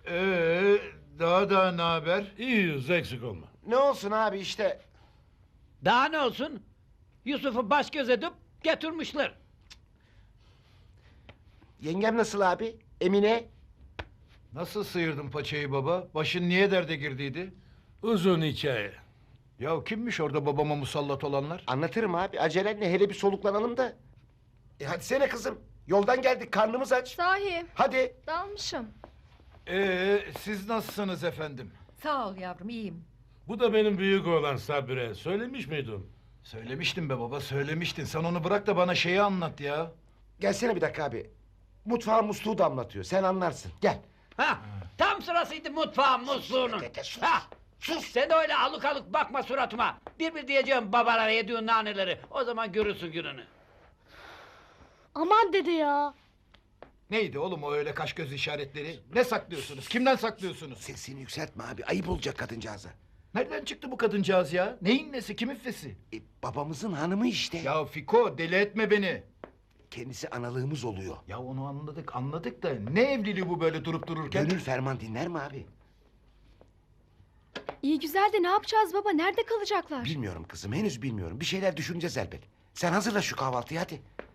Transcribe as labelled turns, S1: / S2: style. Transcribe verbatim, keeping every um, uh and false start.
S1: Ee, daha da ne haber?
S2: İyiyiz, eksik olma.
S3: Ne olsun abi işte.
S4: Daha ne olsun? Yusuf'u baş göz edip getirmişler.
S3: Yengem nasıl abi? Emine?
S1: Nasıl sıyırdın paçayı baba? Başın niye derde girdiydi?
S2: Uzun hikaye.
S1: Ya kimmiş orada babama musallat olanlar?
S3: Anlatırım abi. Acelenle hele bir soluklanalım da. E hadi sene kızım. Yoldan geldik karnımız aç.
S5: Sahi
S3: Hadi.
S5: dalmışım.
S1: Ee, siz nasılsınız efendim?
S5: Sağ ol yavrum iyiyim.
S2: Bu da benim büyük oğlan Sabire. Söylemiş miydim?
S1: Söylemiştin be baba, söylemiştin. Sen onu bırak da bana şeyi anlat ya.
S3: Gelsene bir dakika abi. Mutfağın musluğu damlatıyor. Sen anlarsın. Gel.
S4: Ha, tam sırasıydı mutfağın musluğunun.
S3: Dede, sus.
S4: Ha, sus sen de öyle alık alık bakma suratıma. Bir bir diyeceğim babalara yediğin naneleri. O zaman görürsün gününü.
S5: Aman dede ya.
S1: Neydi oğlum o öyle kaş göz işaretleri? Ne saklıyorsunuz? Kimden saklıyorsunuz?
S3: Sesini yükseltme abi. Ayıp olacak kadıncağıza.
S1: Nereden çıktı bu kadıncağız ya? Neyin nesi, kimin fesi?
S3: E, babamızın hanımı işte.
S1: Ya Fiko, deli etme beni.
S3: Kendisi analığımız oluyor.
S1: Ya onu anladık, anladık da ne evliliği bu böyle durup dururken?
S3: Gönül ferman dinler mi abi?
S5: İyi güzel de ne yapacağız baba? Nerede kalacaklar?
S3: Bilmiyorum kızım. Henüz bilmiyorum. Bir şeyler düşüneceğiz elbet. Sen hazırla şu kahvaltıyı hadi.